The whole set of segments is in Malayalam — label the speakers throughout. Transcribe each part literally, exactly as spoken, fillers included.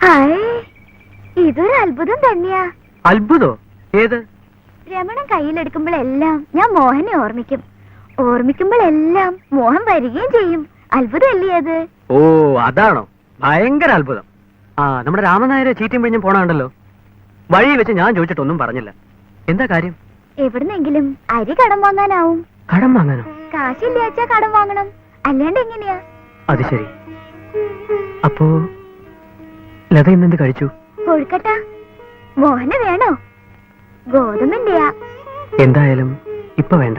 Speaker 1: ഇതൊരു അത്ഭുതം തന്നെയാ.
Speaker 2: അത്ഭുതോ? ഏത്?
Speaker 1: രമണൻ കയ്യിലെടുക്കുമ്പോഴെല്ലാം ഞാൻ മോഹനെ ഓർമ്മിക്കും. ഓർമ്മിക്കുമ്പോഴെല്ലാം മോഹൻ വരികയും ചെയ്യും. അത്ഭുതമല്ലേ അത്?
Speaker 2: ഓ, അതാണോ? ഭയങ്കര അത്ഭുതം. ആ, നമ്മുടെ രാമനായരെ ചീറ്റും പിഴിഞ്ഞും പോണുണ്ടല്ലോ. വഴി വെച്ച് ഞാൻ ചോദിച്ചിട്ടൊന്നും പറഞ്ഞില്ല. എന്താ കാര്യം?
Speaker 1: എവിടുന്നെങ്കിലും അരി കടം വാങ്ങാനാവും.
Speaker 2: കടം വാങ്ങാനോ?
Speaker 1: കാശില്ലാച്ചാ കടം വാങ്ങണം, അല്ലാണ്ട് എങ്ങനെയാ?
Speaker 2: അത് ശരി. അപ്പോ ലത ഇന്നെന്ത് കഴിച്ചു?
Speaker 1: കൊഴുക്കട്ട. മോഹന് വേണോ? ഗോതമ്പിന്റെയാ.
Speaker 2: എന്തായാലും ഇപ്പൊ വേണ്ട.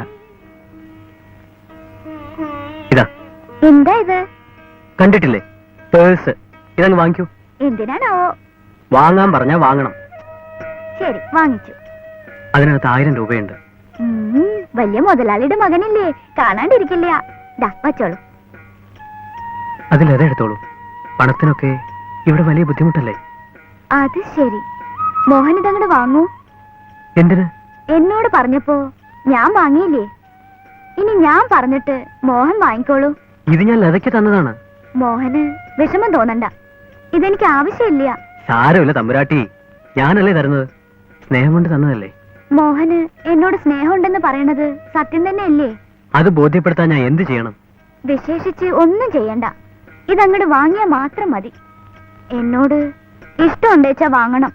Speaker 2: ഇതാ.
Speaker 1: എന്താ ഇത്?
Speaker 2: കണ്ടിട്ടില്ലേ? പേഴ്സ്. ഇതങ്ങ് വാങ്ങിക്കൂ.
Speaker 1: എന്തിനാണോ?
Speaker 2: വാങ്ങാൻ പറഞ്ഞാ വാങ്ങണം.
Speaker 1: ശരി, വാങ്ങിച്ചു.
Speaker 2: അതിനകത്ത് ആയിരം രൂപയുണ്ട്.
Speaker 1: വലിയ മുതലാളിയുടെ മകനില്ലേ, കാണാണ്ടിരിക്കില്ല. ദാ വച്ചോളൂ.
Speaker 2: അതിലേറെ എടുത്തോളൂ. പണത്തിനൊക്കെ ഇവിടെ വലിയ ബുദ്ധിമുട്ടല്ലേ?
Speaker 1: അത് ശരി. മോഹൻ ഇതങ്ങോട്ട് വാങ്ങൂ.
Speaker 2: എന്തിന്?
Speaker 1: എന്നോട് പറഞ്ഞപ്പോ ഞാൻ വാങ്ങിയില്ലേ. ഇനി ഞാൻ പറഞ്ഞിട്ട് മോഹൻ വാങ്ങിക്കോളൂ.
Speaker 2: ഇത് ഞാൻ ലതയ്ക്ക് തന്നതാണ്.
Speaker 1: മോഹന് വിഷമം തോന്നണ്ട. ഇതെനിക്ക് ആവശ്യമില്ല.
Speaker 2: സാരമില്ല തമ്പുരാട്ടി, ഞാനല്ലേ തരുന്നത്. സ്നേഹം കൊണ്ട് തന്നതല്ലേ.
Speaker 1: മോഹന് എന്നോട് സ്നേഹമുണ്ടെന്ന് പറയണത് സത്യം തന്നെ അല്ലേ?
Speaker 2: അത് ബോധ്യപ്പെടുത്താൻ ഞാൻ എന്ത് ചെയ്യണം?
Speaker 1: വിശേഷിച്ച് ഒന്നും ചെയ്യണ്ട. ഇതങ്ങോട്ട് വാങ്ങിയാ മാത്രം മതി. എന്നോട് ഇഷ്ടമുണ്ടേച്ചാ വാങ്ങണം.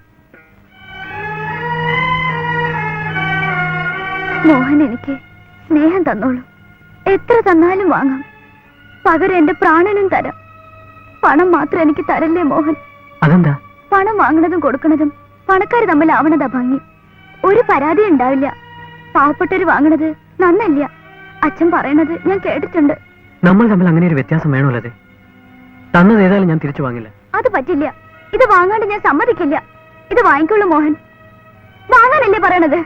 Speaker 1: മോഹൻ എനിക്ക് സ്നേഹം തന്നോളൂ. എത്ര തന്നാലും വാങ്ങാം. പകരം എന്റെ പ്രാണനും തരാം. പണം മാത്രം എനിക്ക് തരല്ലേ മോഹൻ.
Speaker 2: അതെന്താ?
Speaker 1: പണം വാങ്ങണതും കൊടുക്കണതും പണക്കാർ തമ്മിലാവണതാ ഭംഗി. ഒരു പരാതി ഉണ്ടാവില്ല. പാവപ്പെട്ടവര് വാങ്ങണത് നന്നല്ല. അച്ഛൻ പറയണത് ഞാൻ കേട്ടിട്ടുണ്ട്.
Speaker 2: നമ്മൾ തമ്മിൽ അങ്ങനെ ഒരു വ്യത്യാസം വേണമല്ലേ? തന്നത് ഏതായാലും ഞാൻ തിരിച്ചു വാങ്ങില്ല.
Speaker 1: അത് പറ്റില്ല. ഇത് വാങ്ങാണ്ട് ഞാൻ സമ്മതിക്കില്ല. ഇത് വാങ്ങിക്കുള്ളൂ മോഹൻ. വാങ്ങാനല്ലേ പറയണത്?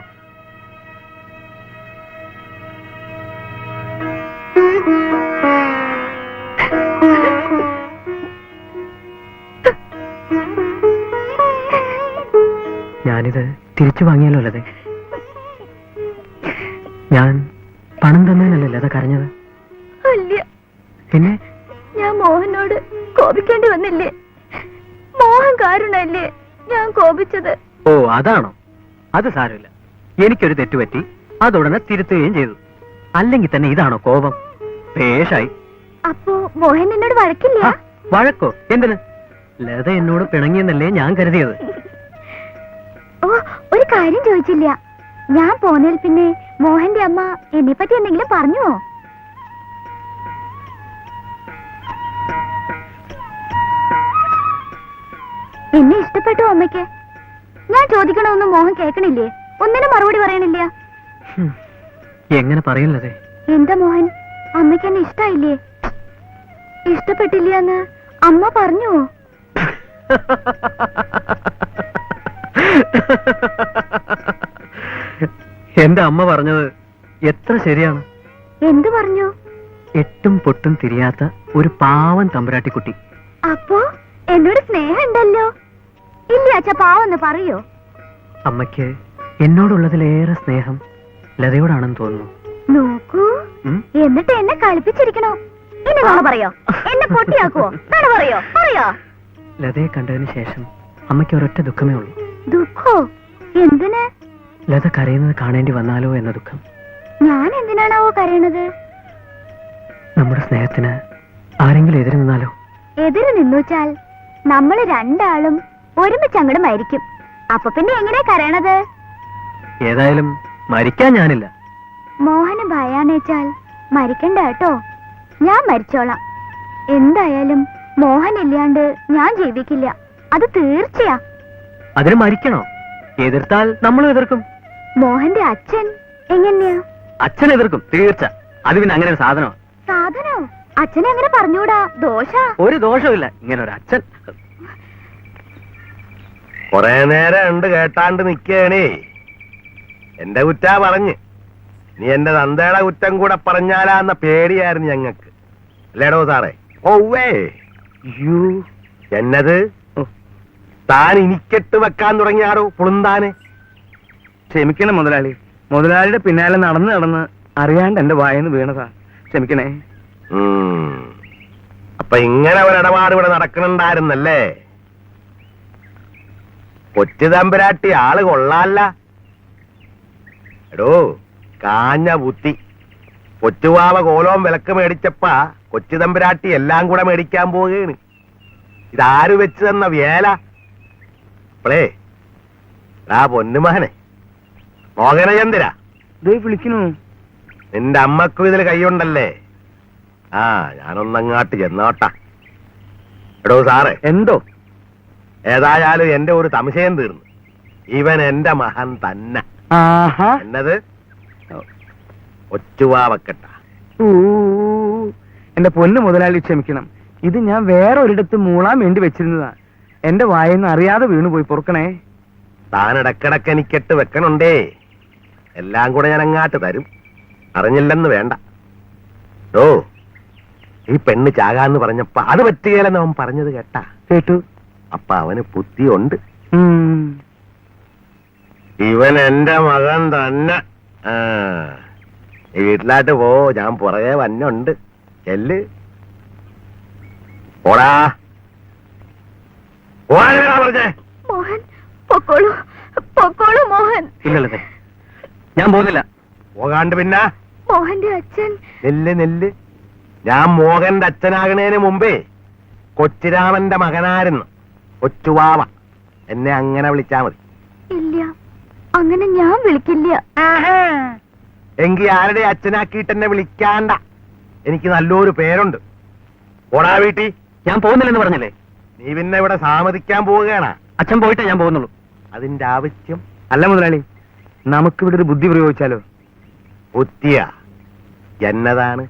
Speaker 2: ഞാനിത് തിരിച്ചു വാങ്ങിയാലോ ലതേ? ഞാൻ പണം തന്നതിനല്ലേ ലത കരഞ്ഞത്?
Speaker 1: അല്ല,
Speaker 2: പിന്നെ
Speaker 1: ഞാൻ മോഹനോട് കോപിക്കേണ്ടി വന്നില്ലേ? മോഹൻ കാരണല്ലേ ഞാൻ കോപിച്ചത്.
Speaker 2: ഓ, അതാണോ? അത് സാരമില്ല. എനിക്കൊരു തെറ്റുപറ്റി, അതുടനെ തിരുത്തുകയും ചെയ്തു. അല്ലെങ്കിൽ തന്നെ ഇതാണോ കോപം? പേഷായി.
Speaker 1: അപ്പോ മോഹൻ എന്നോട് വഴക്കില്ല?
Speaker 2: വഴക്കോ? എന്തിന്? ലത എന്നോട് പിണങ്ങിയെന്നല്ലേ ഞാൻ കരുതിയത്.
Speaker 1: ഓ, ഒരു കാര്യം ചോദിച്ചില്ല. ഞാൻ പോന്നതിൽ പിന്നെ മോഹന്റെ അമ്മ എന്നെ പറ്റി എന്തെങ്കിലും പറഞ്ഞുവോ? എന്നെ ഇഷ്ടപ്പെട്ടു അമ്മയ്ക്ക്? ഞാൻ ചോദിക്കണമെന്നും മോഹൻ കേൾക്കണില്ലേ? ഒന്നിനും മറുപടി പറയണില്ല.
Speaker 2: എങ്ങനെ പറയില്ലതേ?
Speaker 1: എന്താ മോഹൻ, അമ്മയ്ക്ക് എന്നെ ഇഷ്ടായില്ലേ? ഇഷ്ടപ്പെട്ടില്ല എന്ന് അമ്മ പറഞ്ഞുവോ?
Speaker 2: എന്റെ അമ്മ പറഞ്ഞത് എത്ര ശരിയാണ്.
Speaker 1: എന്തു പറഞ്ഞു?
Speaker 2: എട്ടും പൊട്ടും തിരിയാത്ത ഒരു പാവൻ തമ്പുരാട്ടിക്കുട്ടി.
Speaker 1: അപ്പോ എന്നോട് സ്നേഹം ഉണ്ടല്ലോ? ഇല്ല അച്ഛാ, പാവെന്ന് പറയോ?
Speaker 2: അമ്മയ്ക്ക് എന്നോടുള്ളതിലേറെ സ്നേഹം ലതയോടാണെന്ന് തോന്നുന്നു.
Speaker 1: നോക്കൂ, എന്നിട്ട് എന്നെ കളിപ്പിച്ചിരിക്കണോ? ഇനി നോണ പറയോ? എന്നെ പൊട്ടിയാക്കുവോ? നോണ പറയോ? പറയോ?
Speaker 2: ലതയെ കണ്ടതിന് ശേഷം അമ്മയ്ക്ക് ഒരൊറ്റ ദുഃഖമേ ഉള്ളൂ.
Speaker 1: ദുഃഖോ? എന്തിന്?
Speaker 2: ലത കരയുന്നത് കാണേണ്ടി വന്നാലോ എന്ന ദുഃഖം.
Speaker 1: ഞാൻ എന്തിനാണാവോ കരയണത്?
Speaker 2: നമ്മുടെ സ്നേഹത്തിന് ആരെങ്കിലും എതിര് നിന്നാലോ?
Speaker 1: എതിര് നിന്നുവച്ചാൽ നമ്മള് രണ്ടാളും ഒരുമിച്ച് അങ്ങോട്ട് മരിക്കും. അപ്പൊ പിന്നെ എങ്ങനെയാ കരയണത്?
Speaker 2: ഏതായാലും മരിക്കാൻ ഞാനില്ല.
Speaker 1: മോഹന് ഭയാണേച്ചാൽ മരിക്കണ്ട കേട്ടോ. ഞാൻ മരിച്ചോളാം. എന്തായാലും മോഹൻ ഇല്ലാണ്ട് ഞാൻ ജീവിക്കില്ല. അത് തീർച്ചയാ.
Speaker 2: അതിന് മരിക്കണോ? എതിർത്താൽ നമ്മളും എതിർക്കും.
Speaker 1: മോഹന്റെ അച്ഛൻ എങ്ങനെയാ?
Speaker 2: അച്ഛൻ എതിർക്കും, തീർച്ച. അത് പിന്നെ അങ്ങനെ ഒരു സാധനോ?
Speaker 1: സാധനോ? അച്ഛനെ അങ്ങനെ പറഞ്ഞൂടാ, ദോഷ.
Speaker 2: ഒരു ദോഷമില്ല ഇങ്ങനെ ഒരു അച്ഛൻ.
Speaker 3: കൊറേ നേരം ഉണ്ട് കേട്ടാണ്ട് നിക്കണേ. എന്റെ കുറ്റാ പറഞ്ഞ് നീ എന്റെ തന്തയുടെ കുറ്റം കൂടെ പറഞ്ഞാലാന്ന പേടിയായിരുന്നു ഞങ്ങക്ക്, അല്ലേടോ സാറേ? ഓവേ യു എന്നത് താൻ ഇനിക്കെട്ട് വെക്കാൻ തുടങ്ങിയാടോ പുളുന്താനെ.
Speaker 4: ക്ഷമിക്കണം മുതലാളി. മുതലാളിയുടെ പിന്നാലെ നടന്ന് നടന്ന് അറിയാണ്ട് എന്റെ വായന്ന് വീണതാ. ക്ഷമിക്കണേ.
Speaker 3: അപ്പൊ ഇങ്ങനെ ഒരിടപാട് ഇവിടെ നടക്കണുണ്ടായിരുന്നല്ലേ? കൊച്ചു തമ്പുരാട്ടി ആള് കൊള്ളാല്ല. എടോ കാഞ്ഞ ബുദ്ധി. കൊച്ചുവാവ കോലോം വിലക്ക് മേടിച്ചപ്പ കൊച്ചു തമ്പുരാട്ടി എല്ലാം കൂടെ മേടിക്കാൻ പോവുകയാണ്. ഇതാര് വെച്ച് തന്ന വേല? അപ്പളേ ആ പൊന്നുമകനെ മോഹനചന്ദ്ര,
Speaker 4: ദേ വിളിക്കണു.
Speaker 3: നിന്റെ അമ്മക്കും ഇതിൽ കൈയുണ്ടല്ലേ? ആ ഞാനൊന്നങ്ങാട്ട് ചെന്നോട്ടാ. എടോ സാറേ,
Speaker 4: എന്തോ?
Speaker 3: ഏതായാലും എന്റെ ഒരു സംശയം തീർന്നു. ഇവൻ എന്റെ മകൻ തന്നെ.
Speaker 4: ആഹാ.
Speaker 3: എന്നത് ഒച്ചുവാവക്കട്ട.
Speaker 4: ഊ, എന്റെ പൊന്ന് മുതലാളി ക്ഷമിക്കണം. ഇത് ഞാൻ വേറെ ഒരിടത്ത് മൂളാൻ വേണ്ടി വെച്ചിരുന്നതാ. എന്റെ വായെന്ന് അറിയാതെ വീണുപോയി, പൊറുക്കണേ.
Speaker 3: താൻ ഇടക്കിടക്ക് എനിക്കെട്ട് വെക്കണുണ്ടേ. എല്ലാം കൂടെ ഞാൻ അങ്ങാട്ട് തരും. അറിഞ്ഞില്ലെന്ന് വേണ്ട. ഓ ഈ പെണ്ണ് ചാകാന്ന് പറഞ്ഞപ്പ അത് പറ്റുകയില്ലെന്ന് അവൻ പറഞ്ഞത് കേട്ടാ?
Speaker 4: കേട്ടു.
Speaker 3: അപ്പൊ അവന് ബുദ്ധിയുണ്ട്.
Speaker 4: ഉം.
Speaker 3: ഇവൻ എന്റെ മകൻ തന്നെ. ആ ഈ വീട്ടിലായിട്ട് പോ, ഞാൻ പുറകെ വന്നുണ്ട്. ചെല്ല് പോടാ. പോടാ പറഞ്ഞേ.
Speaker 1: മോഹൻ പൊക്കോളൂ, പൊക്കോളൂ മോഹൻ.
Speaker 2: ഇല്ലല്ലേ, ഞാൻ പോകുന്നില്ല.
Speaker 3: പോകാണ്ട് പിന്നെ
Speaker 1: മോഹന്റെ അച്ഛൻ.
Speaker 3: നെല്ല് നെല്ല്. ഞാൻ മോഹന്റെ അച്ഛനാകണേന് മുമ്പേ കൊച്ചുരാമന്റെ മകനായിരുന്നു കൊച്ചുവാവ. എന്നെ അങ്ങനെ വിളിച്ചാ മതി.
Speaker 1: ഇല്ല, അങ്ങനെ ഞാൻ വിളിക്കില്ല.
Speaker 3: എങ്കി ആരുടെ അച്ഛനാക്കിയിട്ട് എന്നെ വിളിക്കാണ്ട. എനിക്ക് നല്ലൊരു പേരുണ്ട്. ഓടാ വീട്ടി.
Speaker 2: ഞാൻ പോകുന്നില്ലെന്ന് പറഞ്ഞില്ലേ?
Speaker 3: നീ പിന്നെ ഇവിടെ സാമതിക്കാൻ പോവുകയാണ്.
Speaker 2: അച്ഛൻ പോയിട്ടേ ഞാൻ പോകുന്നുള്ളൂ.
Speaker 3: അതിന്റെ ആവശ്യം
Speaker 4: അല്ല മുതലാളി, നമുക്കിവിടെ ഒരു ബുദ്ധി പ്രയോഗിച്ചാലോ?
Speaker 3: ബുദ്ധിയ എന്നതാണ്?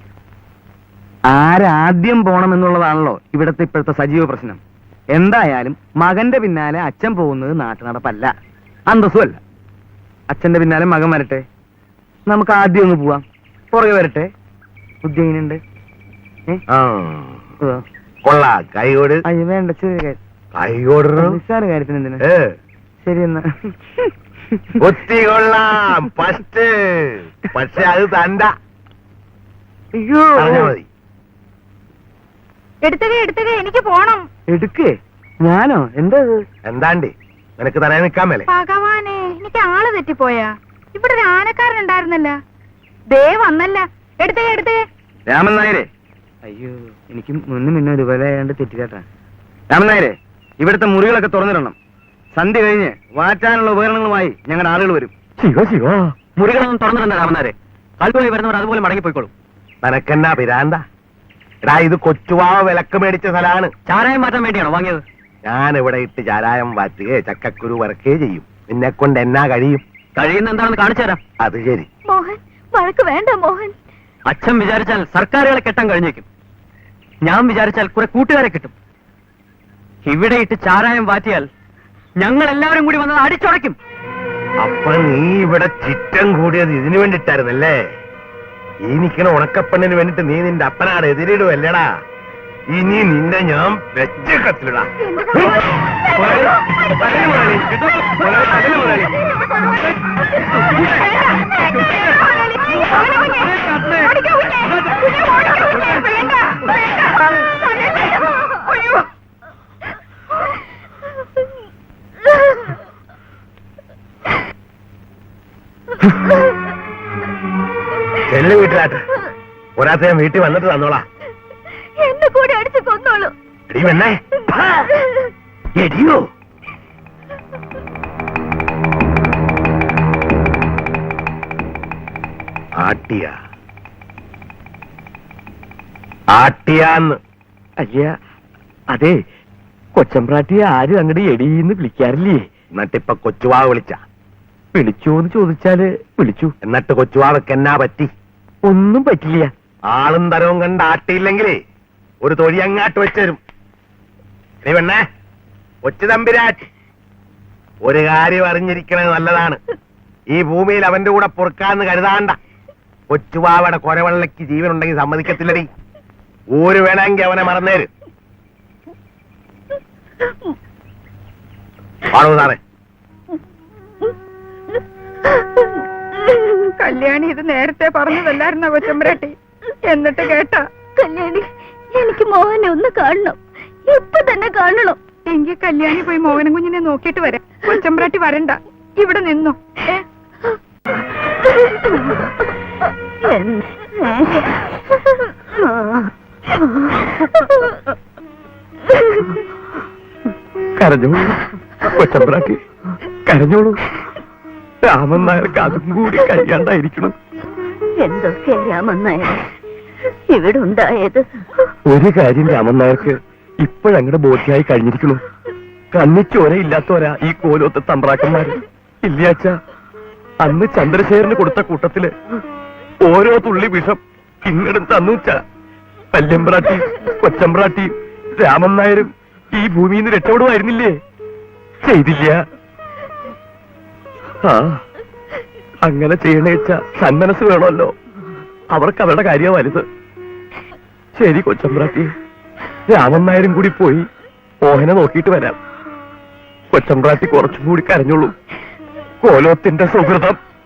Speaker 4: ആരാദ്യം പോണമെന്നുള്ളതാണല്ലോ ഇവിടത്തെ ഇപ്പോഴത്തെ സജീവ പ്രശ്നം. എന്തായാലും മകന്റെ പിന്നാലെ അച്ഛൻ പോകുന്നത് നാട്ടു നടപ്പല്ല, അന്തസ്സുമല്ല. അച്ഛന്റെ പിന്നാലെ മകൻ വരട്ടെ, നമുക്ക് ആദ്യം ഒന്ന് പോവാം. പുറകെ വരട്ടെ. ബുദ്ധി എങ്ങനെയുണ്ട്?
Speaker 3: ആ കൊള്ളാ. കൈകോട്.
Speaker 4: അയ്യോ വേണ്ട, ചെറിയ കാര്യം.
Speaker 3: കൈകോട്
Speaker 4: നിസ്സാര കാര്യത്തിന് എന്തിനാ? ശരി എന്നാ.
Speaker 3: ബുദ്ധി കൊള്ളാം ഫസ്റ്റ്. പക്ഷെ അത് തണ്ട.
Speaker 4: അയ്യോ
Speaker 3: പറഞ്ഞാ മതി.
Speaker 1: എടുത്തുക എടുത്തുക, എനിക്ക് പോണം.
Speaker 4: എടുക്കേ. ഞാനോ? എന്താ ഇത്?
Speaker 3: എന്താണ്ടി നിനക്ക് തലേ നിൽക്കാൻ മേലെ?
Speaker 1: ഭഗവാനെ, എനിക്ക് ആള് തെറ്റിപ്പോയാ. ഇവിടെ ഒരു ആനക്കാരൻ ഉണ്ടായിരുന്നല്ല, ദേ വന്നല്ല. എടുത്തുക എടുത്തുക.
Speaker 4: രാമൻ നായരെ. അയ്യോ, എനിക്ക് മുന്നും മുന്നേ ഇതുപോലെ ആയാണ്ട് തെറ്റിക്കാട്ടാ. രാമൻ നായരെ, ഇവിടുത്തെ മുറികളൊക്കെ തുറന്നിടണം. സന്ധ്യ കഴിഞ്ഞ് വാറ്റാനുള്ള ഉപകരണങ്ങളുമായി ഞങ്ങളുടെ ആളുകൾ വരും.
Speaker 2: ശിവ ശിവ, മുറികളൊന്നും തുറന്നിടണ്ട രാമനാരെ. കാൽപോയി വരുന്നവർ അതുപോലെ മടങ്ങിപ്പോയിക്കോളും.
Speaker 3: നിനക്കെന്നാ പിരാന്ത? എടാ ഇത് കൊച്ചുവാവ വിലക്ക് മേടിച്ച സ്ഥലമാണ്.
Speaker 2: ചാരായം മാറ്റാൻ വേണ്ടിയാണോ വാങ്ങിയത്?
Speaker 3: ഞാൻ ഇവിടെ ഇട്ട് ചാരായം വാറ്റുകയോ ചക്കക്കുരു വറക്കുകയോ ചെയ്യും. നിന്നെ കൊണ്ട് എന്നാ കഴിയും?
Speaker 2: കഴിയുന്ന എന്താണെന്ന് കാണിച്ചു തരാം.
Speaker 3: അത് ശരി.
Speaker 1: മോഹൻ, വഴക്ക് വേണ്ട മോഹൻ.
Speaker 2: അച്ഛൻ വിചാരിച്ചാൽ സർക്കാരുകളെ കെട്ടാൻ കഴിഞ്ഞേക്കും. ഞാൻ വിചാരിച്ചാൽ കുറെ കൂട്ടുകാരെ കിട്ടും. ഇവിടെ ഇട്ട് ചാരായം വാറ്റിയാൽ ഞങ്ങൾ എല്ലാവരും കൂടി വന്നത് അടിച്ചുടയ്ക്കും.
Speaker 3: അപ്പൊ നീ ഇവിടെ ചിറ്റം കൂടിയത് ഇതിനു വേണ്ടിട്ടായിരുന്നല്ലേ? ഈ നിൽക്കണ ഉണക്കപ്പെണ്ണിന് വേണ്ടിട്ട് നീ നിന്റെ അപ്പനാട് എതിരിടുവല്ലേടാ? ഇനി നിന്നെ ഞാൻ വെച്ച കത്തിലിടാ. ചെല്ലു വീട്ടിലാട്ട്. ഒരാത്ത ഞാൻ വീട്ടിൽ വന്നിട്ട് തന്നോളാ.
Speaker 1: എന്നെ കൂടെ അടിച്ചു കൊന്നോളൂ.
Speaker 3: എടി വെണ്ണേ, എടിയോ. ആട്ടിയ ആട്ടിയാന്ന്.
Speaker 4: അയ്യ, അതെ, കൊച്ചമ്പ്രാട്ടിയെ ആരും അങ്ങോട്ട് എടീന്ന് വിളിക്കാറില്ലേ?
Speaker 3: എന്നിട്ടിപ്പൊ കൊച്ചുവാ വിളിച്ച?
Speaker 4: വിളിച്ചോന്ന് ചോദിച്ചാല് വിളിച്ചു.
Speaker 3: എന്നിട്ട് കൊച്ചുവാവക്ക് എന്നാ പറ്റി?
Speaker 4: ഒന്നും പറ്റില്ല.
Speaker 3: ആളും തരവും കണ്ട് ആട്ടിയില്ലെങ്കിലേ ഒരു തൊഴി അങ്ങാട്ട് വെച്ചരും. നീ പെണ്ണേ, കൊച്ചു തമ്പിരാട്ടി, ഒരു കാര്യം അറിഞ്ഞിരിക്കണത് നല്ലതാണ്. ഈ ഭൂമിയിൽ അവന്റെ കൂടെ പൊറുക്കാന്ന് കരുതാണ്ട. കൊച്ചുവാവയുടെ കൊരവെള്ളയ്ക്ക് ജീവനുണ്ടെങ്കിൽ സമ്മതിക്കത്തില്ലടി. ഊര് വേണമെങ്കിൽ അവനെ മറന്നേര്. ആണോ സാറേ?
Speaker 5: കല്യാണി ഇത് നേരത്തെ പറഞ്ഞതല്ലായിരുന്ന കൊച്ചമ്പരാട്ടി? എന്നിട്ട് കേട്ടാ?
Speaker 1: കല്യാണി, എനിക്ക് മോഹനെ ഒന്ന് കാണണം, ഇപ്പൊ തന്നെ കാണണം.
Speaker 5: എങ്കിൽ കല്യാണി പോയി മോഹനം കുഞ്ഞിനെ നോക്കിയിട്ട് വരാം. കൊച്ചമ്പ്രാട്ടി വരണ്ട, ഇവിടെ നിന്നോ. ഏ
Speaker 3: കരഞ്ഞോളൂ കൊച്ചമ്പ്രാട്ടി, കരഞ്ഞോളൂ. രാമൻ നായർക്ക് അതും കൂടി കഴിയാണ്ടായിരിക്കണം.
Speaker 1: എന്തൊക്കെ രാമൻ നായർ ഇവിടെ ഉണ്ടായത്?
Speaker 3: ഒരു കാര്യം രാമൻ നായർക്ക് ഇപ്പോഴങ്ങടെ ബോധ്യായി കഴിഞ്ഞിരിക്കുന്നു. കണ്ണിച്ചോരയില്ലാത്തവരാ ഈ കോലോത്തെ തമ്പ്രാക്കന്മാര്. ഇല്ലാച്ച അന്ന് ചന്ദ്രശേഖരന് കൊടുത്ത കൂട്ടത്തില് ഓരോ തുള്ളി വിഷം ഇങ്ങടും തന്നുവച്ച വല്യമ്പ്രാട്ടി കൊച്ചമ്പ്രാട്ടി രാമൻ നായരും ഈ ഭൂമിയിൽ നിന്ന് രക്ഷപ്പെടുമായിരുന്നില്ലേ? ചെയ്തില്ല. ആ അങ്ങനെ ചെയ്യണേച്ച സന്മനസ് വേണമല്ലോ. അവർക്ക് അവരുടെ കാര്യം വലുത്. ശരി കൊച്ചമ്പ്രാട്ടി, രാമൻ നായരും കൂടി പോയി മോഹനെ നോക്കിയിട്ട് വരാം. കൊച്ചമ്പ്രാട്ടി കുറച്ചും കൂടി കരഞ്ഞോളൂ. കോലോത്തിന്റെ സുഹൃതം